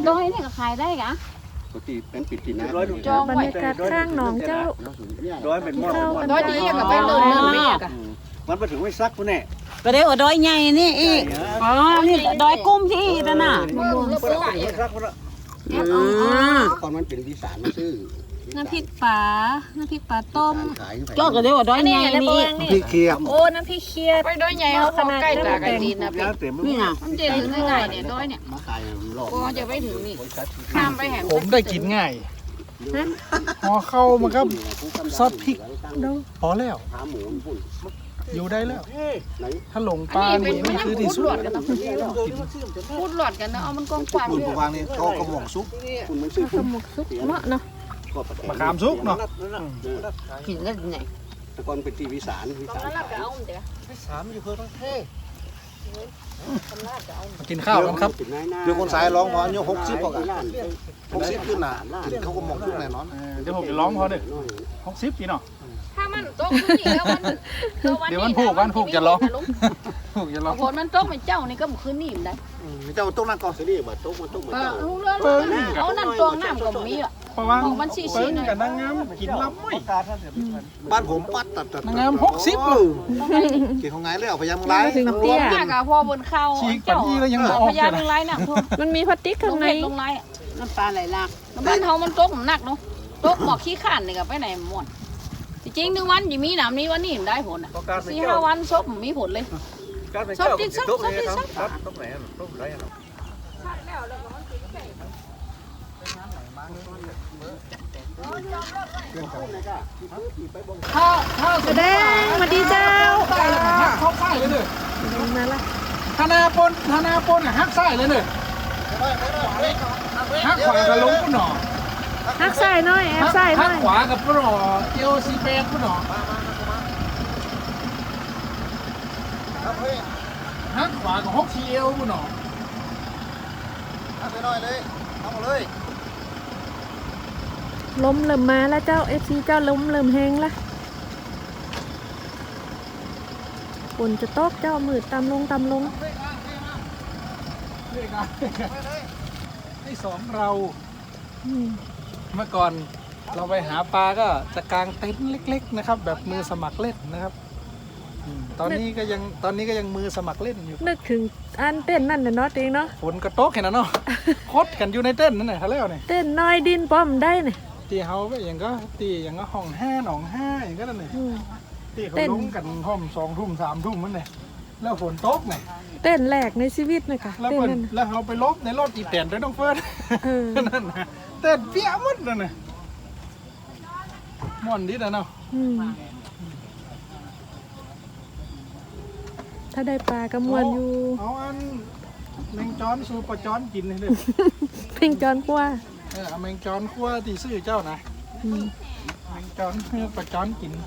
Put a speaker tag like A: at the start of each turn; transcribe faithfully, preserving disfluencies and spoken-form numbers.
A: ดอยนี่ก็ขายได้กะ
B: ปกติเป็นปิดตินะ
A: จอง
C: บร
A: ไว้
C: รยากาศข้างหนองเจ้า
D: ร้อยเป็นหม้อ
A: ดอยนี้ก็ไปเริ่มเริ่มนี่กะ
D: มันไปถึงไม่ซักพุ่นแน่
E: ก็เดี๋ยวดอยใหญ่นี่อีกอ๋อนี่ดอยกุ้มที่อีกนะน่ะ
A: มะม่วง
D: มัน
A: ซื้อ
D: ไปถึงไม่ซักพุ่นละ
E: อ๋อ
B: ก่อนมันเป็นวิสานมาซื้อ
C: น้ำพริกปลาน้ำพริกปลาต้ม
B: ขาย
E: ก็ก็เดี๋ยวดอยใหญ่นี่
D: พี่เคียม
C: โอ้น้ำพริกเคี่ยว
A: ไปดอยใหญ่เขาใกล้ตากันดีนะพี่
D: แล้วเต็ม
E: นี่น่ะ
A: มันจะถึงง่ายเนี่ยดอยเนี่ย
B: มาขายหลอก
A: ก็จะไปถึงนี่ข้ามไปแห่ง
F: ผมได้กินง่ายพอเข้ามันก็ซอสพริกพอแล้ว
B: ขาหมูปุ่น
F: อยู่ได้แล้ว
B: ไหน
F: ถ้าหลง
A: อั
F: ปลาน
A: นี้เป็น
F: นี่
A: มัน
F: คือ
A: ยัง
F: ที่
A: พูด
F: สุ
A: หล
F: ด
A: อดกันนะพูดหลอดกันนะเอามันกองกวาง
D: คุณผู้วางนี่เขากระหม่อมซุป
B: คุณมันซื้อ
C: สมุกซุปเนาะเนาะ
B: ก็ประแต
F: มะขามซุกเนาะ
E: กินแล้วไหน
B: แต่ก่อนเป็นที่วิสานวิสาน
A: แล้วก็เอาเดี๋ยว
D: สามอยู่เพื่อต้องเท่
F: มากินข้าวกันครับ
D: เดี๋ยวคนสายร้องพออายุหกสิบพอกันหกสิบขึ้นน่ะกินเขาก็หม่อมซุปแน่นอน
F: เออเดี๋ยวผมจะร้องพอเด้อหกสิบปีเนาะ
A: ถ้ามันตกขึ้นนี่แล้วมัน
F: เดี๋ยวมันผูกวันผูกจะร้องผูกจะร้อง
A: ผลมันตกเป็นเจ้านี่ก็มันขึ้นนี่มันได้
D: เจ้าต้องนั่งก่อน
B: สินี่บัดตกมันตกมัน
A: ก็
B: เจ้า
A: รู้เรื่องเอานั่นตวงน้ำก็มีอ่ะ
F: เพราะว่า
A: ของมันสี่สิบ
F: เปิ้งกับนางงามกินลำไม่
D: บ้านผมปัดตัดตัด
F: นางงามหกสิบเลย
D: กินของไงแล้วพยายามไล่
C: ถึง
A: ร
C: เตี้
A: วย มมากอะพอบนเข้า
F: ฉีกปันที่แล้วยังหมออ
A: พ
F: อก
A: ยา
F: เลย
A: ล
F: นะ
A: งไล่น้ำท่วม
C: มันมีพลาสติก
A: ล
C: ข้าง
A: ง
C: ใน
A: เล็ดลงไล่
E: น้ำปลาไหลหลาก
A: บ้านเฮามันตกหนักเนาะตกหมอกขี้ข้านนี่ก็ไปไหนหมดจริงๆหนึ่งวันจะมีหนามนี้วันนี้ได้ผลอ่ะสี่ห้าวันซบมีผลเลย
D: ชอบติ๊กชอบติ๊กชอบครับตรงไหนตรงไหน
F: ถ้าถ้า
C: แสดงสวัสดีเจ้า
F: ได้แล้วก็หักเข้าไส้เลยเด้อ
C: มาละ
F: ธนาปนธนาปนอ่ะหักไส้เลยเด้อหักขวากับลงปุ่นหนอ
C: ฮักใส่หน่อยแอบใส่หน่
F: หั
C: อก ย
F: ขวากับปุ่นหนอเอลซีแปดปุ่นหนอหักขวากับฮกซีเอลปุ่นหนอ
D: ไปหน่อยเลยเอาเลย
C: ล้มเริ่มมาแล้วเจ้าเอฟซีเจ้าล้มเริ่มแห้งละฝนจะตกเจ้ามืดตามลงตามลง
F: เรียกอะไรที่สองเรา
C: อืม
F: เมื่อก่อนเราไปหาปลาก็จะกางเต็นท์เล็กๆนะครับ แบบมือสมัครเล่นนะครับอืมตอนนี้ก็ยังตอนนี้ก็ยังมือสมัครเล่นอยู่
C: นึกถึงอันเต้นนั่นน่ะเนาะเองเนาะ
F: ฝนกระโตกเห็นนะเนาะ โคตรกันอยู่ในเต้นท์นั่นแหละแล้วเนี่ย
C: เต้นน้อยดินป้อมได้เนี่ย
F: ตีเฮาก็อย่างก็ตีอย่างก็ห้องห้าหนองห้าอย่างก็นั่นเลย
C: อืม
F: ตีเขา
C: เต้น
F: ลงกันห้องสองทุ่มสามทุ่มมันเนี่ยแล้วฝนตกเนี่ย
C: เต้นแหลกในชีวิตนะคะ
F: แล้ว
C: เต้น
F: เพิ่น
C: นั่นน่ะ
F: แล้วเขาไปลบในรถอีแตนด้วยน้องเฟิร์น
C: เออ
F: นั่นนะเต้นเปี้ยหมดนั่นน่ะม่วนดินะเนาะ
C: อืมถ้าได้ปลากระมวลอยู่
F: เอาอันแมงจอนสูปลาจอนกินให้เลย
C: เพ่งจอนกว่า
F: เออเอาแมงจอนคั่วที่ซื้อเจ้านะ
C: อืม
F: แมงจอนให้ปลาจอนกิน